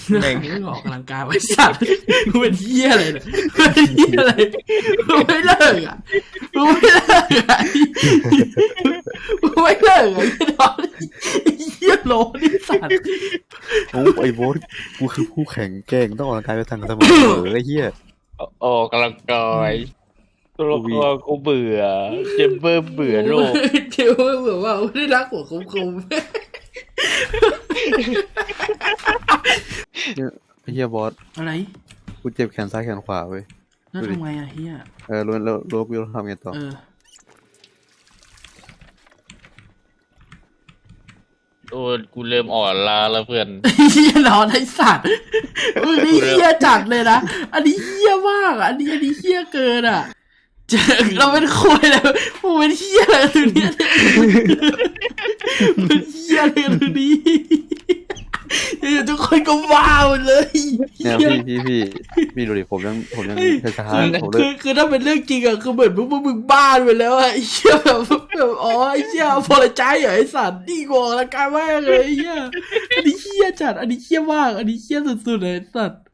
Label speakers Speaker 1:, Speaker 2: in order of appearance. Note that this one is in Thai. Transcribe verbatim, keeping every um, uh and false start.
Speaker 1: แม่ง
Speaker 2: ไม่ออกกำลังกายไว้สัตว์มึงเป็นเหี้ยอะไรเนี่ยมึงเป็นเหี้ยอะไรมึงไม่เลิกอ่ะมึงไม่เลิกอ่ะมึงไม่เลิกอ่ะไอ้ดอนไอ้เหี้ยโลนี่สัตว์
Speaker 3: โอ้ไอ้โบ๊ทกูคือผู้แข่งแกร่งต้องออกกำลังกายไปทางเสมอไอ้เหี้ย
Speaker 1: ออกกำลังกายตัวละครกูเบื่อเจมเบอร์เบื่อโลก
Speaker 2: เดี๋ยวเหมือนว่าไม่ได้รักหัวคมคม
Speaker 3: ไอ้เหี้ยบอส
Speaker 2: อะไร
Speaker 3: กูเจ็บแขนซ้ายแขนขวาเว้ย
Speaker 2: แล้วทำไงอ่ะเฮีย
Speaker 3: เออรู้แล้วรู้กูต้องทำไงต่อ
Speaker 2: เออ
Speaker 1: โอ้กูเริ่มอ่อนล้าแล้วเพื่อน
Speaker 2: เฮียนอนไอสัตว์มึงนี่เฮียจัดเลยนะอันนี้เฮียมากอ่ะอันนี้อันนี้เฮียเกินอ่ะเจอเราเป็นควยเลยมึงเป็นเฮียอะไรตัวเนี้ยเป็นเฮียอะไรตัวนี้ทุกคนก็ว้าวเลย
Speaker 3: เนี่ยพี่พี่พี่พี่ดูดิผมยังผมยังช้าๆผมเล
Speaker 2: คื
Speaker 3: ย
Speaker 2: อคือถ้าเป็นเรื่องจริงอะคือเหมือนมึงมึงมึงบ้าไปแล้วอะไอ้เหี้ยแบบแบบอ๋อไอ้เหี้ยพอละใจเหรอไอ้สัตว์ดีกว่าละกายมากเลยไอ้เหี้ยอันนี้เหี้ยจัดอันนี้เหี้ยมากอันนี้เหี้ยสุดๆเลยไอ้สัตว์